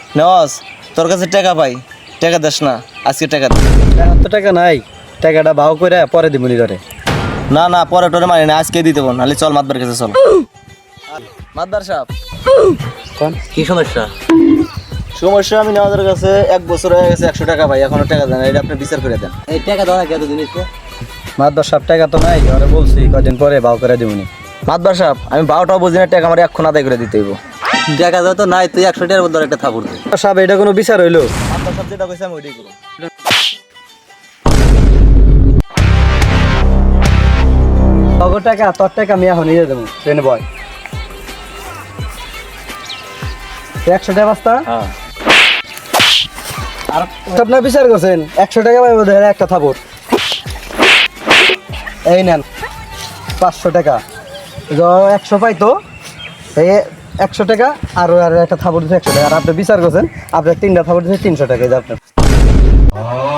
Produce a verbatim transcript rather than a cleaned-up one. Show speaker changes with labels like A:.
A: নস তোর কাছে টাকা পাই, টাকা দেস না, আজকে টাকা দে।
B: এখন তো টাকা নাই, টাকাটা ভাও করে পরে দিবনি করে।
A: না না পরে টরে মানি না, আজকে দিতে বল, নাহলে চল মাতবার কাছে চল। মাতবার সাহেব
B: কোন কি সমস্যা?
A: সমস্যা আমি নেওয়াদের কাছে এক বছর হয়ে গেছে, একশো টাকা পাই, এখনো টাকা দেন, এটা আপনি বিচার করে দেন।
B: এই টাকা দাও না কত জিনিস মাত্র সব টাকা তো নাই, ওরে বলছি কদিন পরে ভাও করে দিবনি।
A: মাতবার সাহেব আমি বারোটাও বুঝি না, টাকা আমার এখন আদায় করে দিতে হইব।
B: টাকা দাও তো নাই, তুই একশো টাকার মধ্যে একটা থাপুর দে। সাহেব এটা কোনো বিচার হইলো?
A: মাতবার সাহেব যেটা কইছে আমি ওইটাই করব।
B: তগো টাকা তোর টাকা আমি এখন নিয়ে দেবো, ট্রেনে বয় একশো টাকা বাস্তা। আর আপনার বিচার করছেন একশো টাকা পাইব, ধরে একটা থাপুর। এই নেন পাঁচশো টাকা, একশো পাইতো এই একশো টাকা আর আর একটা থাপুর দিচ্ছে একশো টাকা। আর আপনি বিচার করছেন আপনার তিনটা থাপুর দিচ্ছে তিনশো টাকা, এই যে আপনার।